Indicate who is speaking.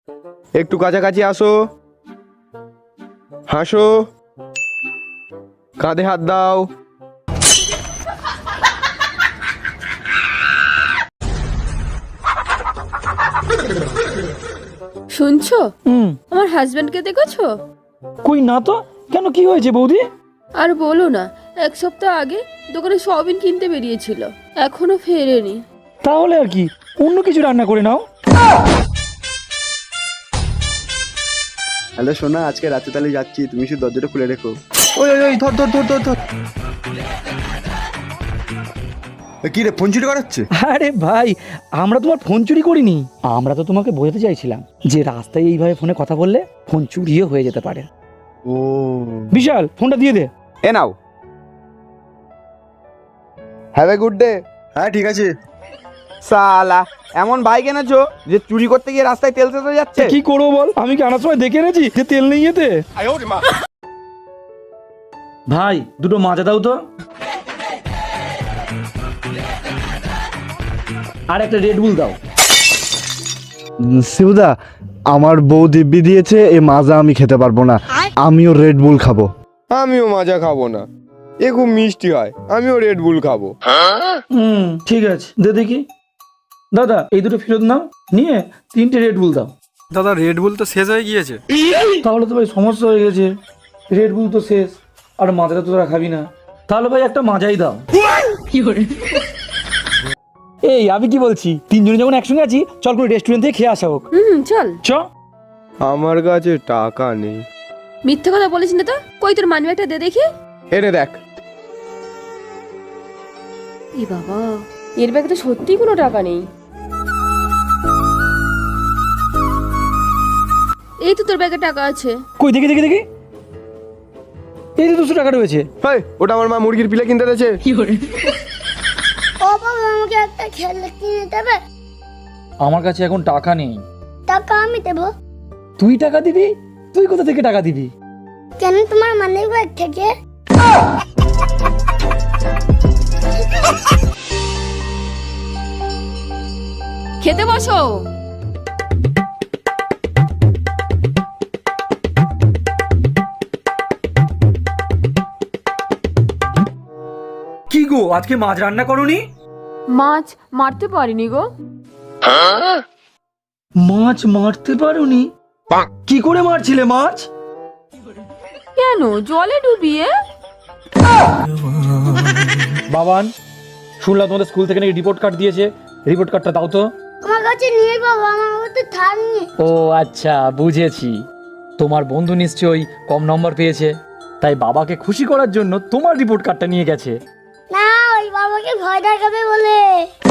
Speaker 1: একটু কাছাকাছি আসো, হাসো, কাঁধে হাত দাও।
Speaker 2: শুনছো? আমার হাজবেন্ডকে দেখেছো?
Speaker 3: কই না তো। কেন, কি হয়েছে বৌদি?
Speaker 2: আর বলো না, 1 সপ্তাহ আগে দোকানে সয়াবিন কিনতে বেরিয়েছিল, এখনো ফেরেনি।
Speaker 3: তাহলে আর কি, অন্য কিছু রান্না করে নাও।
Speaker 4: হ্যালো সোনা, আজকে রাতে তাহলে যাচ্ছি, তুমি শুধু দরজাটা খুলে রেখো।
Speaker 1: ওই ওই ওই, ধর ধর ধর ধর ধর।
Speaker 4: কি রে, ফোন চুরি করাচ্ছে?
Speaker 3: আরে ভাই, আমরা তোমার ফোন চুরি করিনি। আমরা তো তোমাকে বোঝাতে চাইছিলাম যে রাস্তায় এইভাবে ফোনে কথা বললে ফোন চুরিও হয়ে যেতে পারে।
Speaker 4: ও
Speaker 3: বিশাল, ফোনটা দিয়ে দে।
Speaker 1: এ নাও। Have a good day.
Speaker 4: হ্যাঁ ঠিক আছে।
Speaker 1: সালা, এমন বাইক এনেছো যে চুরি করতে গিয়ে রাস্তায় তেল শেষ হয়ে যাচ্ছে।
Speaker 3: কি করবো বল, আমি কি আনার সময় দেখে এনেছি যে তেল নেই এতে। ভাই, দুটো মাজা দাও তো। আর একটা রেড বুল দাও।
Speaker 4: শিবুদা, আমার বউ দিব্যি দিয়েছে, এ মাজা আমি খেতে পারবো না, আমিও রেড বুল খাবো।
Speaker 1: আমিও মাজা খাবো না, এ খুব মিষ্টি হয়, আমিও রেড বুল খাবো।
Speaker 3: ঠিক আছে, দে দেখি। দাদা, এই দুটো ফেরত নাও, নিয়ে 3টে রেড বুল দাও।
Speaker 5: দাদা, রেড বুল তো শেষ হয়ে গিয়েছে।
Speaker 3: তাহলে তো ভাই সমস্যা হয়ে গেছে, রেড বুল তো শেষ, আর মাজাটা তো তোরা খাবি না। তাহলে ভাই একটা মাজাই দাও। এই, আমি কি বলছি, তিনজনে যখন একসঙ্গে আছি, চল করে রেস্টুরেন্ট থেকে খেয়ে আসা হোক।
Speaker 2: চল।
Speaker 3: চ।
Speaker 1: আমার কাছে টাকা নেই।
Speaker 2: মিথ্যে কথা বলিস না তো, কই তোর মানি ব্যাগটা দে দেখি।
Speaker 1: এনে দেখ।
Speaker 2: এ বাবা, এর ব্যাগে তো সত্যি কোনো টাকা নেই। এই তো তোর ব্যাগে টাকা আছে।
Speaker 3: কই দেখি দেখি দেখি, এই তো 200 টাকা রয়েছে।
Speaker 1: হেই, ওটা আমার মা মুরগির পিলে কিনতে দিয়েছে।
Speaker 6: ও বাবা, আমাকে একটা খেলনা কিনে দেবে?
Speaker 3: আমার কাছে এখন টাকা নেই।
Speaker 6: টাকা আমি দেবো।
Speaker 3: তুই টাকা দিবি? তুই কোথা থেকে টাকা দিবি?
Speaker 6: কেন, তোমার মানি ব্যাগ থেকে।
Speaker 2: খেতে বসো।
Speaker 3: কি গো, আজকে মাছ রান্না করনি?
Speaker 2: মাছ মারতে পারিনি গো।
Speaker 3: মাছ মারতে পারোনি? কি করে মারছিলে মাছ?
Speaker 2: কেন, জলে ডুবিয়ে।
Speaker 3: বাবান, শুনলাম তোমাদের স্কুল থেকে নাকি রিপোর্ট কার্ড দিয়েছে, রিপোর্ট কার্ডটা দাও তো।
Speaker 6: আমার কাছে নেই বাবা, আমার কাছে থাক নেই।
Speaker 3: ও আচ্ছা, বুঝেছি। তোমার বন্ধু নিশ্চয়ই কম নম্বর পেয়েছে, তাই বাবাকে খুশি করার জন্য তোমার রিপোর্ট কার্ডটা নিয়ে গেছে।
Speaker 6: না, ওই বাবাকে ভয় দেখাবে বলে।